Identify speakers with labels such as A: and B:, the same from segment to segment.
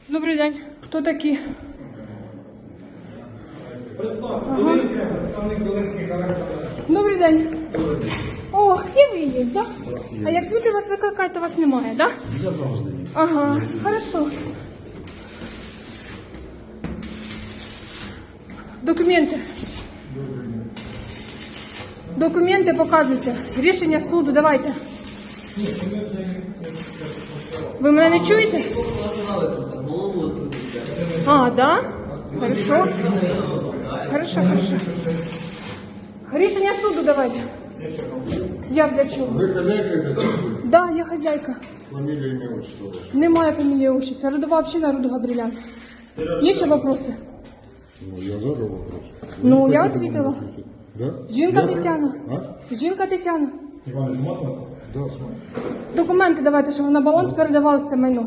A: Добрий день. Хто такі?
B: Представник Волинських електроенергій.
A: Добрий день. О, і ви є, так? А як люди вас викликають, то вас немає, так?
B: Я завжди.
A: Ага, хорошо. Документи. Документи показуйте. Рішення суду, давайте. Ви мене не чуєте? А, да? Хорошо. Хорошо. Рішення суду давайте. Я для чого?
C: Вы хозяйка этой церкви?
A: Да, я хозяйка.
C: Фамилия, имя, отчество ваше?
A: Немає фамілії отчества. Родова община роду Габрілян. Є ще вопроси?
C: Ну, я задал вопрос. Вы
A: Ну,
C: не
A: я
C: хотите
A: ответила.
C: на него ответить? Да?
A: Жінка
C: Я-
A: Тетяна.
C: А?
A: Жінка Тетяна.
B: Іван Ізматова?
C: Да, смотри.
A: Документи давайте, щоб на баланс передавалося це майно.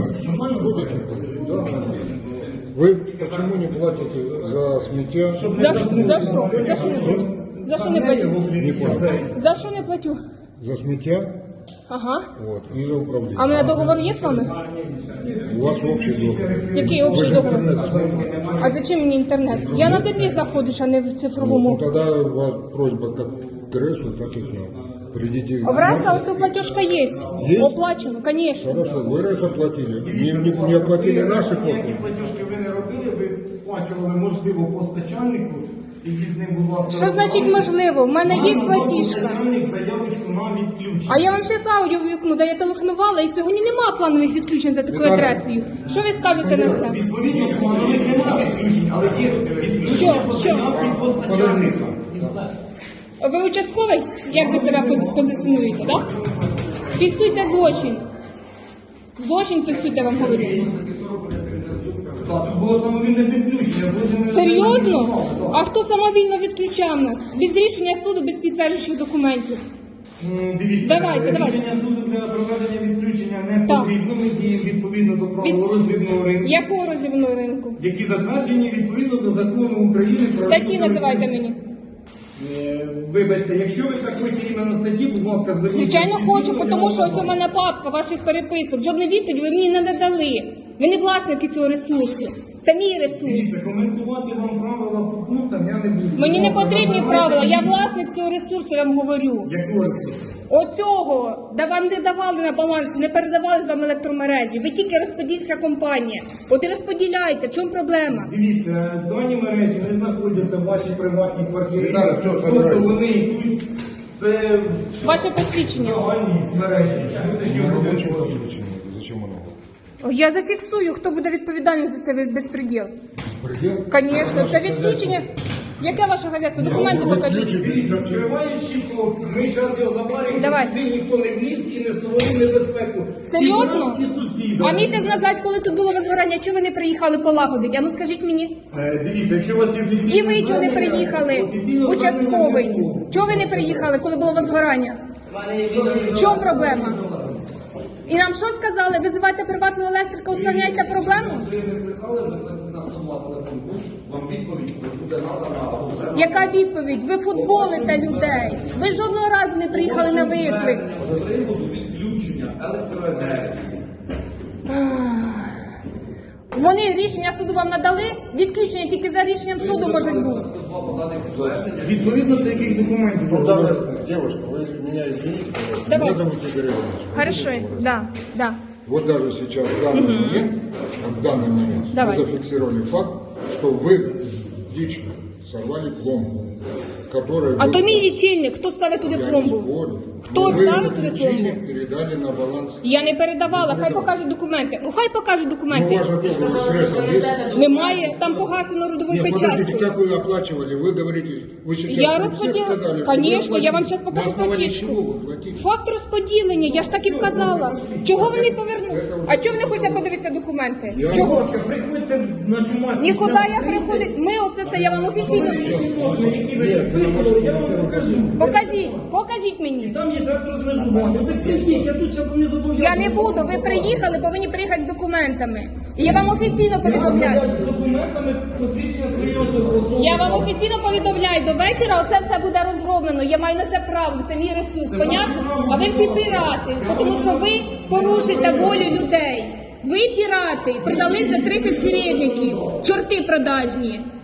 C: Вы почему не платите за смятья?
A: За що? За що не платю? За що не платю?
C: Не платите.
A: За що не платю?
C: За смятья,
A: Ага.
C: вот, и за управление.
A: А у мене договор є з вами?
C: У вас общий договор.
A: Який
C: Вы
A: общий
C: же
A: договор?
C: интернет знаете?
A: А зачем мені інтернет? Я на землі знаходжусь, а не в
C: Ну,
A: цифровому.
C: тогда у вас просьба как к РЭСу, так и к нам. Придите.
A: В РЕСа ось платіжка є.
C: Є?
A: Оплачено, звісно.
C: Хорошо, вы РЭС оплатили. Не оплатили наши
B: Ніякі
C: послуги.
B: платіжки ви не робили, ви сплачували, можливо, постачальнику. Ідіть з ним, будь ласка.
A: Що значить можливо? В мене є платіжка.
B: Постачальник заявочку на відключення.
A: А я вам ще аудіо вікну, де я телефонувала, і сьогодні немає планових відключень за такою
C: Віталій.
A: адресою. Що ви скажете на це?
B: Відповідно, планових немає відключень, але є відключення
A: Що?
B: по заявці постачальника. І все.
A: Ви участковий? Як ви себе позиціонуєте, так? Фіксуйте злочин. Злочин фіксуйте, вам говорю.
B: Так, тут було самовільне підключення.
A: Серйозно? А хто самовільно відключав нас? Без рішення суду, без підтверджуючих документів.
B: Дивіться,
A: Давайте.
B: рішення суду для проведення відключення не
A: Так.
B: потрібно. Ми діємо відповідно до правил роздрібного ринку,
A: Якого розівного ринку?
B: які затверджені відповідно до закону України про
A: Статті
B: ринок.
A: називайте мені.
B: Вибачте, якщо ви так хочете іменно статті, будь ласка, зверніть.
A: Звичайно
B: офіційно,
A: хочу,
B: я
A: тому
B: вам
A: що ось
B: дам.
A: у мене папка ваших переписок. Жодну відповідь ви мені не надали. Ви не власники цього ресурсу. Це мій ресурс.
B: Дивіться, коментувати вам правила по пунктам я не буду.
A: Мені
B: Будь
A: не
B: ласка,
A: потрібні
B: надавайте
A: правила. Я
B: мені-
A: власник цього ресурсу, я вам говорю.
B: Якого?
A: Оцього, де вам не давали на балансі, не передавали з вами електромережі. Ви тільки розподільча компанія. От і розподіляйте. В чому проблема?
B: Дивіться, дані мережі не знаходяться в вашій приватній квартирі.
C: Віталій, все,
B: Тобто
C: забирайте.
B: вони йдуть, це
A: Ваше посвідчення.
B: загальні мережі. Внутрішнього
C: Ну,
B: будинку.
C: зачем подключение? Зачем оно?
A: Я зафіксую, хто буде відповідальний за це безпреділ.
C: Предел?
A: Звісно, це відключення. Яке ваше хазяйство? Документи
C: Ну,
A: покажіть.
C: відключите.
B: Дивіться, відкриваючи, то ми зараз його забаримо,
A: Давай.
B: щоб туди ніхто не вліз і не створив небезпеку.
A: Серйозно?
B: І нам, і сусідам.
A: А місяць назад, коли тут було возгорання, чого ви не приїхали полагодити? А ну скажіть мені.
B: Дивіться, якщо у вас є офіційне
A: І ви чого не
B: звернення,
A: приїхали?
B: офіційного
A: Участковий.
B: звернення не було.
A: Чого ви не приїхали, коли було возгорання? В чому проблема? І нам що сказали? Визивайте приватного електрика, устраняйте проблему?
D: Ви не викликали на 102 телефон, вам відповідь буде надана або вже
A: Яка відповідь? Ви футболите людей. Ви жодного разу не приїхали на виклик.
D: з приводу відключення електроенергії.
A: Вони рішення суду вам надали? Відключення тільки за рішенням суду можуть бути.
D: 102 по даних звернення.
B: Відповідно до яких документів?
C: Ну, даже, девушка, вы меня извините, пожалуйста.
A: Давай.
C: Меня зовут Игорь Иванович.
A: Хорошо, да.
C: Вот даже сейчас, в данный момент, в данный момент,
A: Давай.
C: мы зафиксировали факт, что вы лично сорвали пломбу, которая...
A: А
C: вы-
A: то мій лічильник, хто ставить туди
C: Я не
A: пломбу?
C: спорю.
A: Хто
C: Но вы
A: ставит туда
C: лечили,
A: пломбу?
C: передали на баланс.
A: Я не передавала, хай
C: передавала.
A: покажуть документи. Ну хай покажуть
C: Ну,
A: документи.
C: у вас же договор с РЭСом есть?
A: Немає, там погашено родовою
C: Нет, подождите,
A: печаткою.
C: как вы оплачивали? Вы говорите, вы сейчас
A: Я
C: при всех
A: розподіла.
C: сказали, что вы
A: Конечно, я вам
C: платите.
A: зараз покажу
C: На основании
A: платіжку.
C: чего вы платите?
A: Факт розподілення, я ж так і вказала. Чого вони повернули? А чого ви не хочете подивитися документи?
C: Я-
A: Чого?
B: Приходьте на Чумацький.
A: Нікуди я приходить. Ми оце все, я вам офіційно.
B: Які ви підписували, я вам покажу.
A: Покажіть
B: І
A: мені.
B: там є електрозмежування. Так прийдіть, я тут зараз не зобов'язаний.
A: Я не буду, ви приїхали, повинні приїхати з документами. І я вам офіційно повідомляю.
B: З документами посвідчення своєї особи.
A: Я вам офіційно повідомляю, до вечора оце все буде розроблено. Я маю на це право, це мій ресурс, понятно? А ви всі пірати, тому що ви порушуєте волю людей. Ви пірати, продались за 30 серебряників, чорти продажні.